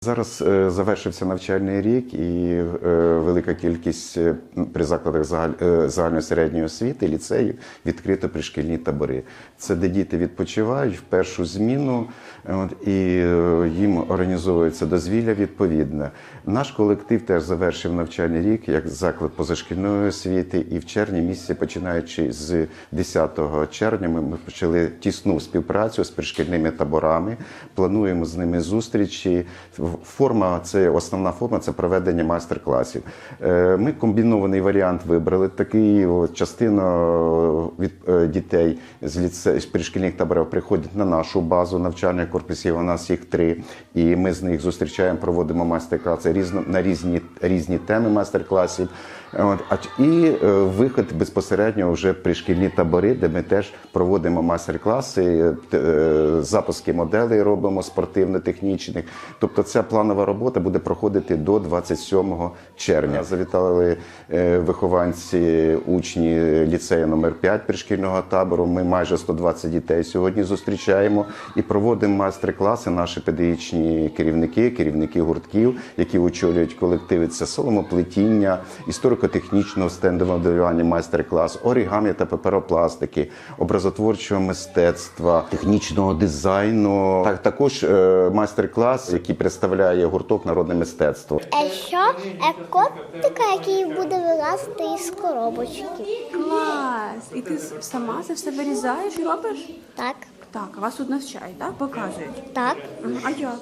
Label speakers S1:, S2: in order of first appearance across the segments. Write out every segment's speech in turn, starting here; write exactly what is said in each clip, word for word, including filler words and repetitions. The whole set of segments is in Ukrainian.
S1: Зараз е, завершився навчальний рік і е, велика кількість е, при закладах загаль, е, загальної середньої освіти, ліцеїв відкрито пришкільні табори. Це де діти відпочивають в першу зміну, от, і е, їм організовується дозвілля відповідне. Наш колектив теж завершив навчальний рік як заклад позашкільної освіти, і в червні місяці, починаючи з десятого червня, ми, ми почали тісну співпрацю з пришкільними таборами, плануємо з ними зустрічі. Форма, це основна форма, це проведення майстер-класів. Ми комбінований варіант вибрали. Такий частина від дітей з ліце... з пришкільних таборів приходять на нашу базу навчальних корпусів. У нас їх три, і ми з них зустрічаємо, проводимо майстер-класи різно... на різні різні теми майстер-класів. І вихід безпосередньо вже пришкільні табори, де ми теж проводимо майстер-класи, запуски моделей робимо спортивно-технічних. Тобто ця планова робота буде проходити до двадцять сьомого червня. Завітали вихованці, учні ліцею номер п'ять пришкільного табору. Ми майже сто двадцять дітей сьогодні зустрічаємо і проводимо майстер-класи. Наші педагогічні керівники, керівники гуртків, які очолюють колективи, це соломоплетіння, історико-технічного стендового моделювання майстер-клас, оригамі та паперопластики, образотворчого мистецтва, технічного дизайну. Так, також майстер-клас, який представляє гурток народне мистецтво.
S2: А що? Е, котика, який буде вилазити із коробочки.
S3: Клас! І ти сама це все вирізаєш і робиш?
S2: Так,
S3: Так, а вас тут навчають, так? Показують?
S2: так.
S3: Мгм. А як?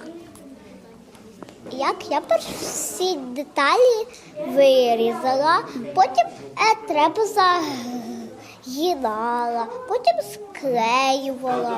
S2: Як я перш всі деталі вирізала, потім е, треба загинала, потім склеювала.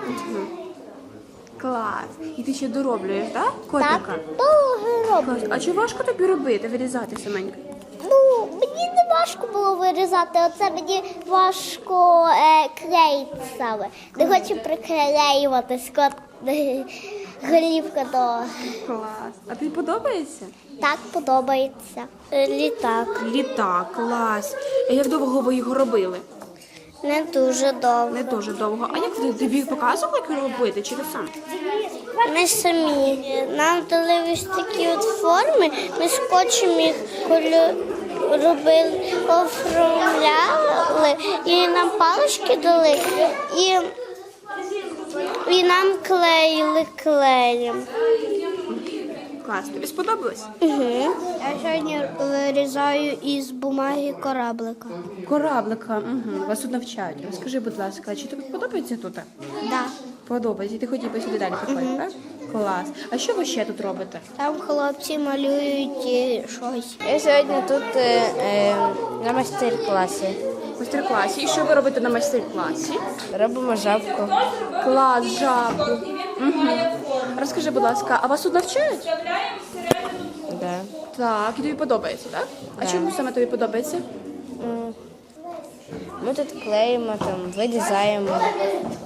S3: Клас! І ти ще дороблюєш, так? Котика?
S2: Так, довго роблю.
S3: Клас. А чи важко тобі робити, вирізати саменько?
S2: Ну, мені не важко було вирізати, оце мені важко е, клеїти саме. Не хочу приклеюватись, кот голівка до...
S3: Клас! А тобі подобається?
S2: Так подобається. Е, Літак.
S3: Літак, клас! А як довго ви його робили?
S2: Не дуже довго.
S3: Не дуже довго. А як ти тобі показували, як його робити, чи ти сам?
S2: Ми самі. Нам дали ось такі от форми, ми скотчем їх колю... робили, оформляли, і нам палички дали, і, і нам клеїли клеєм.
S3: Клас, тобі сподобалось?
S2: Угу. Я сьогодні вирізаю із бумаги кораблика.
S3: Кораблика, угу. Вас тут навчають. Розкажи, будь ласка, чи тобі подобається тут?
S2: Да.
S3: Подобається. І ти хотів би сюди далі приходити, так? Клас. А що ви ще тут робите?
S2: Там хлопці малюють е, щось.
S4: Я сьогодні тут е, е, на майстер-класі.
S3: В майстер-класі. І що ви робите на майстер-класі?
S4: Робимо жабку.
S3: Клас, жабку. Угу. Розкажи, будь ласка, а вас тут навчають?
S4: Да.
S3: Так, і тобі подобається, так? А чому саме тобі подобається?
S4: Ми тут клеїмо, там, вирізаємо.